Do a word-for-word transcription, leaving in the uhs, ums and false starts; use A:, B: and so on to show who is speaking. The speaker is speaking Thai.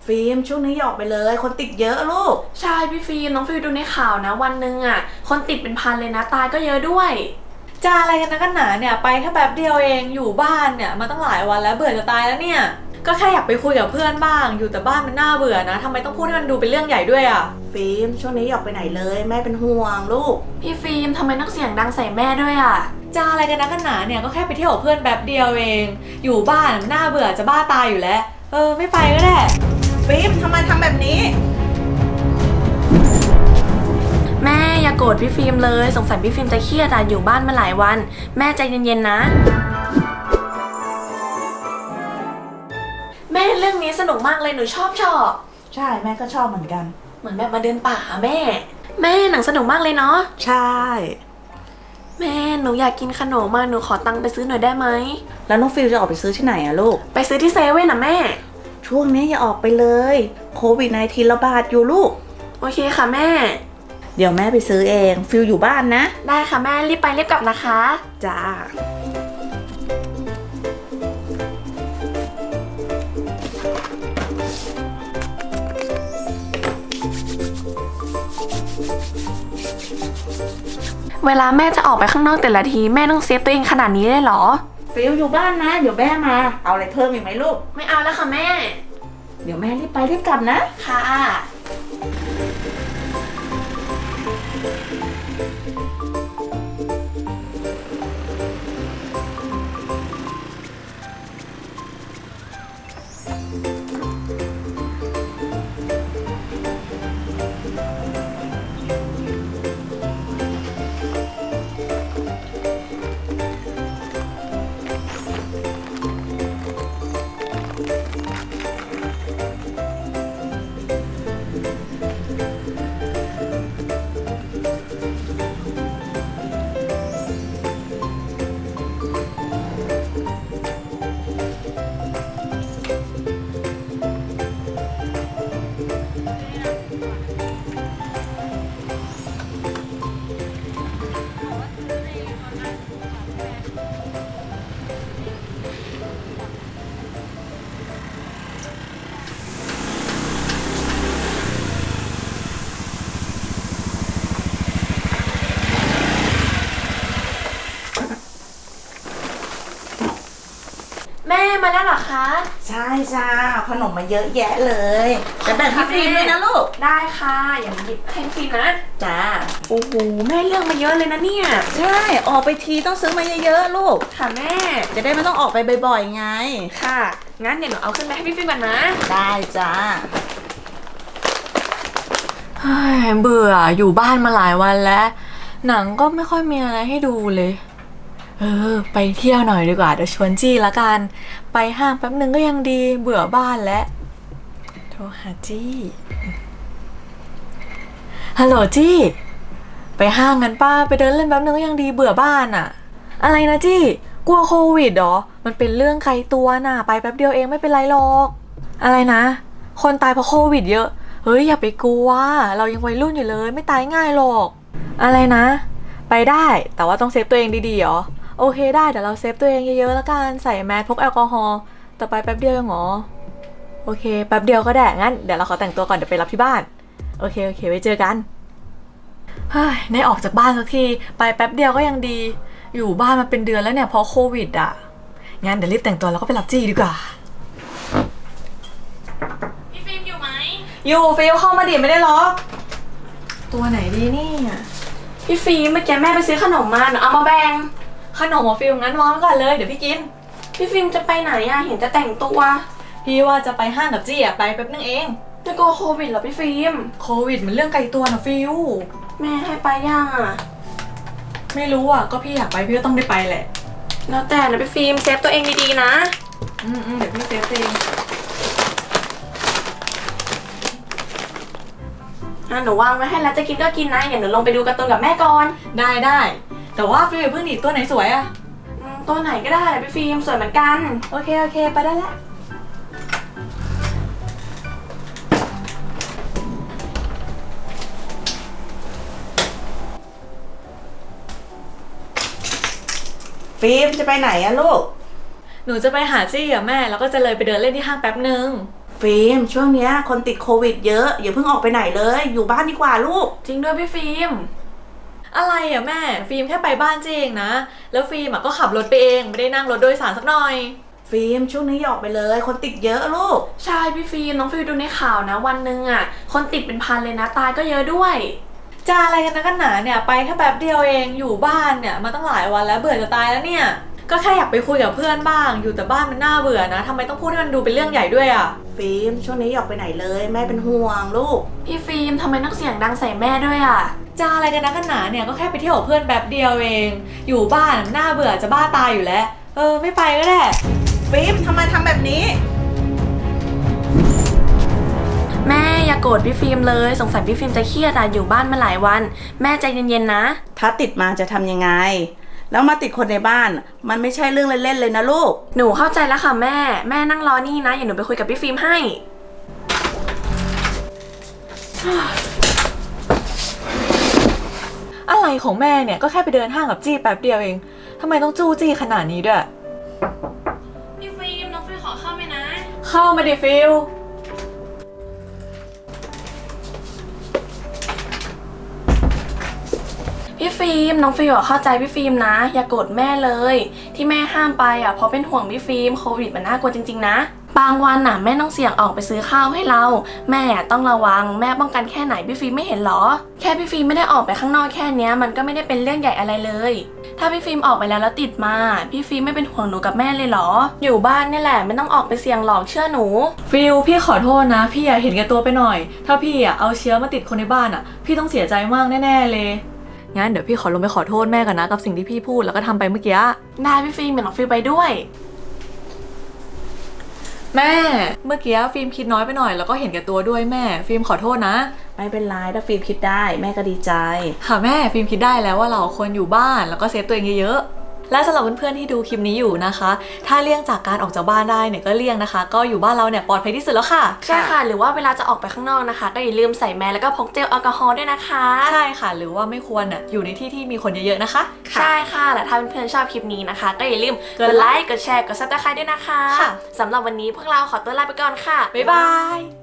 A: ฟิล์มช่วงนี้อย่าออกไปเลยคนติดเยอะลูก
B: ใช่พี่ฟิล์มน้องฟิล์มดูในข่าวนะวันหนึ่งอ่ะคนติดเป็นพันเลยนะตายก็เยอะด้วย
C: จะอะไรกันนะกันหนาเนี่ยไปแค่แป๊บเดียวเองอยู่บ้านเนี่ยมาตั้งหลายวันแล้วเบื่อจะตายแล้วเนี่ยก็แค่อยากไปคุยกับเพื่อนบ้างอยู่แต่บ้านมันน่าเบื่อนะทำไมต้องพูดให้มันดูเป็นเรื่องใหญ่ด้วยอ่ะ
A: ฟิล์มช่วงนี้อย่าออกไปไหนเลยแม่เป็นห่วงลูก
B: พี่ฟิล์มทำไมต้องเสียงดังใส่แม่ด้วยอ่ะ
C: จะอะไรกันนะกันหนาเนี่ยก็แค่ไปเที่ยวกับเพื่อนแป๊บเดียวเองอยู่บ้านมันน่าเบื่อจะบ้าตายอยู่แล้วเออไม่ไปก็ได้
A: ฟิล์มทำไมทำแบบนี้
B: แม่อย่าโกรธพี่ฟิล์มเลยสงสัยพี่ฟิล์มจะเครียดอ่ะอยู่บ้านมาหลายวันแม่ใจเย็นๆนะแม่เรื่องนี้สนุกมากเลยหนูชอบชอบ
A: ใช่แม่ก็ชอบเหมือนกัน
B: เหมือนแบบมาเดินป่าแม่แม่หนังสนุกมากเลยเนาะ
A: ใช่
B: แม่หนูอยากกินขนมมาหนูขอตังค์ไปซื้อหน่อยได้ไหม
A: แล้วน้องฟิลจะออกไปซื้อที่ไหนอะลูก
B: ไปซื้อที่เซเว่นนะแม่
A: ช่วงนี้อย่าออกไปเลยโควิด สิบเก้า ระบาดอยู่ลูก
B: โอเคค่ะแม่
A: เดี๋ยวแม่ไปซื้อเองฟิลอยู่บ้านนะ
B: ได้ค่ะแม่รีบไปรีบกลับนะคะ
A: จ้า
B: เวลาแม่จะออกไปข้างนอกแต่ละทีแม่ต้องเซฟตัวเองขนาดนี้เลยเหรอ
A: ฟิลอยู่บ้านนะเดี๋ยวแม่มาเอาอะไรเพิ่มอีกไหมลูก
B: ไม่เอาแล้วค่ะแม่
A: เดี๋ยวแม่รีบไปรีบกลับนะ
B: ค่ะแม่มาแล้วเหรอคะ
A: ใช่จ้าขนมมาเยอะแยะเลยแต่แบ่งพี่ฟิล์มด้วยนะลูก
B: ได้ค่ะอย่าหยิบให้ฟิล์มนะ
A: จ้า
B: โอ้โหแม่เลือกมาเยอะเลยนะเนี่ย
A: ใช่ออกไปทีต้องซื้อมาเยอะๆลูก
B: ค่ะแม่
A: จะได้ไม่ต้องออกไปบ่อยๆไง
B: ค่ะงั้นเดี๋ยวหนูเอาขึ้นไปให้พี่ฟิล์มก่อนนะ
A: ได้จ้า
C: เฮ้ยเบื่ออยู่บ้านมาหลายวันแล้วหนังก็ไม่ค่อยมีอะไรให้ดูเลยเออไปเที่ยวหน่อยดีกว่าเดี๋ยวชวนจี้ละกันไปห้างแป๊บนึงก็ยังดีเบื่อบ้านแล้วโทรหาจี้ฮัลโหลจี้ไปห้างกันป้าไปเดินเล่นแป๊บนึงก็ยังดีเบื่อบ้านอะอะไรนะจี้กลัวโควิดเหรอมันเป็นเรื่องไกลตัวน่ะไปแป๊บเดียวเองไม่เป็นไรหรอกอะไรนะคนตายเพราะโควิดเยอะเฮ้ยอย่าไปกลัวเรายังวัยรุ่นอยู่เลยไม่ตายง่ายหรอกอะไรนะไปได้แต่ว่าต้องเซฟตัวเองดีๆเหรอโอเคได้เดี๋ยวเราเซฟตัวเองเยอะๆแล้วกันใส่แมสพกแอลกอฮอล์ต่อไปแป๊บเดียวเหรอโอเคแป๊บเดียวก็ได้งั้นเดี๋ยวเราขอแต่งตัวก่อนเดี๋ยวไปรับที่บ้านโอเคโอเคไว้เจอกันเฮ้ยได้ออกจากบ้านสักทีไปแป๊บเดียวก็ยังดีอยู่บ้านมาเป็นเดือนแล้วเนี่ยเพราะโควิดอ่ะงั้นเดี๋ยวรีบแต่งตัวแล้วก็ไปรับจี้ดีกว่า
B: พี่ฟิล์มอยู่ไหม
C: อยู่ฟิลเข้ามาดิไม่ได้ล็อกตัวไหนดีนี่
B: พี่ฟิล์มเมื่อกี้แม่ไปซื้อขนมมาหนูเอามาแบ่ง
C: ขนมของฟิลงั้นวางไว้ก่อนเลยเดี๋ยวพี่กิน
B: พี่ฟิล์มจะไปไหนอะเห็นจะแต่งตัว
C: พี่ว่าจะไปห้างกับจี้อะไปแป๊บนึงเอง
B: จะกลัวโควิดเหรอพี่ฟิล์ม
C: โควิดมันเรื่องไกลตัวนะฟิล
B: แม่ให้ไปยังอะ
C: ไม่รู้อะก็พี่อยากไปพี่ก็ต้องได้ไปแหละ
B: แล้วแต่นะพี่ฟิล์มเซฟตัวเองดีๆนะ
C: อืมอืมเดี๋ยวพี่เซฟเอง
B: อ่ะหนูวางไว้ให้แล้วจะกินก็กินนะอย่าหนูลงไปดูการ์ตูนกับแม่ก่อน
C: ได้ได้แต่ว่าฟิลเพิ่งหนีตัวไหนสวยอะ
B: ตัวไหนก็ได้พี่ฟิล์มสวยเหมือนกัน
C: โอเคโอเคไปได้แล้ว
A: ฟิล์มจะไปไหนอะลูก
C: หนูจะไปหาจี้กับแม่แล้วก็จะเลยไปเดินเล่นที่ห้างแป๊บนึง
A: ฟฟิล์มช่วงเนี้ยคนติดโควิดเยอะอย่าเพิ่งออกไปไหนเลยอยู่บ้านดีกว่าลูก
B: จริงด้วยพี่ฟิล์ม
C: อะไรอ่ะแม่ฟิล์มแค่ไปบ้านเจเองนะแล้วฟิล์มอ่ะก็ขับรถไปเองไม่ได้นั่งรถโดยสารสักหน่อย
A: ฟิล์มช่วงนี้อย่าออกไปเลยคนติดเยอะลูก
B: ใช่พี่ฟิล์มน้องฟิล์มดูในข่าวนะวันหนึ่งอ่ะคนติดเป็นพันเลยนะตายก็เยอะด้วย
C: จะอะไรกันนะกันหนาเนี่ยไปแค่แป๊บเดียวเองอยู่บ้านเนี่ยมาตั้งหลายวันแล้วเบื่อจะตายแล้วเนี่ยก็แค่อยากไปคุยกับเพื่อนบ้างอยู่แต่บ้านมันน่าเบื่อนะทำไมต้องพูดให้มันดูเป็นเรื่องใหญ่ด้วยอ่ะ
A: ฟิล์มช่วงนี้อย่าออกไปไหนเลยแม่เป็นห่วงลูก
B: พี่ฟิล์มทำไมต้องเสียงดังใส่แม่ด้วยอ่ะ
C: จะอะไรกันนะกันหนาเนี่ยก็แค่ไปเที่ยวกับเพื่อนแป๊บเดียวเองอยู่บ้านมันน่าเบื่อจะบ้าตายอยู่แล้วเออไม่ไปก็ได้
A: ฟิล์มทำไมทำแบบนี้
B: แม่อย่าโกรธพี่ฟิล์มเลยสงสัยพี่ฟิล์มจะเครียดอ่ะอยู่บ้านมาหลายวันแม่ใจเย็นๆนะ
A: ถ้าติดมาจะทำยังไงแล้วมาติดคนในบ้านมันไม่ใช่เรื่องเล่นๆเลยนะลูก
B: หนูเข้าใจแล้วค่ะแม่แม่นั่งรอนี่นะอย่าหนูไปคุยกับพี่ฟิล์มให้
C: อะไรของแม่เนี่ยก็แค่ไปเดินห้างกับจี้แป๊บเดียวเองทำไมต้องจู้จี้ขนาดนี้ด้วย
B: พี่ฟิล์มน้องฟิล์มขอเข้าไหมนะ
C: เข้ามาดิฟิล
B: พี่ฟิล์มน้องฟิล์มเข้าใจพี่ฟิล์มนะอย่าโกรธแม่เลยที่แม่ห้ามไปอ่ะเพราะเป็นห่วงพี่ฟิล์มโควิดมันน่ากลัวจริงๆนะบางวันน่ะแม่ต้องเสี่ยงออกไปซื้อข้าวให้เราแม่ต้องระวังแม่ป้องกันแค่ไหนพี่ฟิล์มไม่เห็นหรอแค่พี่ฟิล์มไม่ได้ออกไปข้างนอกแค่เนี้ยมันก็ไม่ได้เป็นเรื่องใหญ่อะไรเลยถ้าพี่ฟิล์มออกไปแล้วแล้วติดมาพี่ฟิล์มไม่เป็นห่วงหนูกับแม่เลยเหรออยู่บ้านนี่แหละไม่ต้องออกไปเสี่ยงหรอกเชื่อหนู
C: ฟิลพี่ขอโทษนะพี่อะเห็นแก่ตัวไปหน่อยถ้าพี่อะเอาเชื้อมาติดคนในบ้านอะพี่ต้องเสียใจมากแน่ๆเลยงั้นเดี๋ยวพี่ขอลงไปขอโทษแม่ก่อนนะกับสิ่งที่พี่พูดแล้วก็ทำไปเมื่อกี้
B: ได้พี่ฟิล์มเดี๋ยวน้องฟิล์มไปด้วย
C: แม่เมื่อกี้ฟิล์มคิดน้อยไปหน่อยแล้วก็เห็นแก่ตัวด้วยแม่ฟิล์มขอโทษนะ
A: ไม่เป็นไรถ้าฟิล์มคิดได้แม่ก็ดีใจ
C: ค่ะแม่ฟิล์มคิดได้แล้วว่าเราควรอยู่บ้านแล้วก็เซฟตัวเองเยอะๆและสำหรับเพื่อนๆที่ดูคลิปนี้อยู่นะคะถ้าเลี่ยงจากการออกจากบ้านได้เนี่ยก็เลี่ยงนะคะก็อยู่บ้านเราเนี่ยปลอดภัยที่สุดแล้วค่ะ
B: ใช่ค่ะหรือว่าเวลาจะออกไปข้างนอกนะคะ ก็อย่าลืมใส่แมสแล้วก็พกเจลแอลกอฮอล์ด้วยนะคะ
C: ใช่ค่ะหรือว่าไม่ควรอ่ะอยู่ในที่ที่มีคนเยอะๆนะคะ
B: ใช่ค่ะและถ้าเพื่อนๆชอบคลิปนี้นะคะ ก็อย่าลืมกดไลค์กดแชร์กดซับสไครต์ด้วยนะคะ
C: ค่ะ
B: สำหรับวันนี้พวกเราขอตัวลาไปก่อนค่ะ
C: บ๊ายบาย